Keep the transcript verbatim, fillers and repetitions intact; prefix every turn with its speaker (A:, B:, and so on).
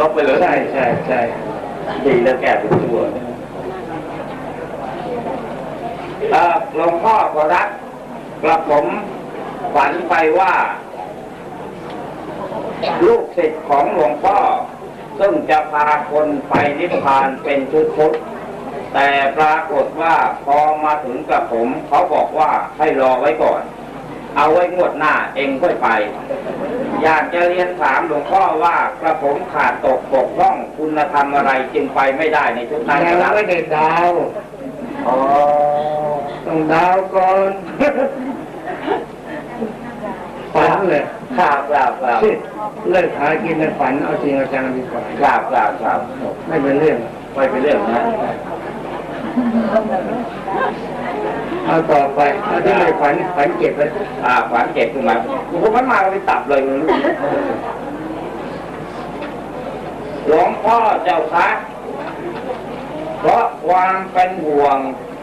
A: กไปเลย
B: ใช่ใช่ใช่
A: ดีแล้วแก้ทุกตัวหลวงพ่อก็รักกระผมฝันไปว่าลูกศิษย์ของหลวงพ่อซึ่งจะพาคนไปนิพพานเป็นชุดๆแต่ปรากฏว่าพอมาถึงกระผมเขาบอกว่าให้รอไว้ก่อนเอาไว้งวดหน้าเองค่อยไปอยากจะเรียนถามหลวงพ่อว่ากระผมขาดตกบกพร่องคุณธรรมอะไรจึงไปไม่ได้ในชุดนั้นครับ
B: ไม่ได้ดาว
A: อ๋อ
B: ต้องดาวก่อนฝันเลย
A: ครับครับครับ
B: เลิกหากินในฝันเอาจริงเอาจังดีกว่า
A: ครับครับครับ
B: ไม่เป็นเรื่อง
A: ไม่เป็นเรื่องนะ
B: เอาต่อไปเอาที่ไม่ฝันฝันเก็บเลย
A: อ่าฝันเก็บขึ้นมาผมมันมาไปตับเลยหลวงพ่อเจ้าคะเพราะความเป็นห่วง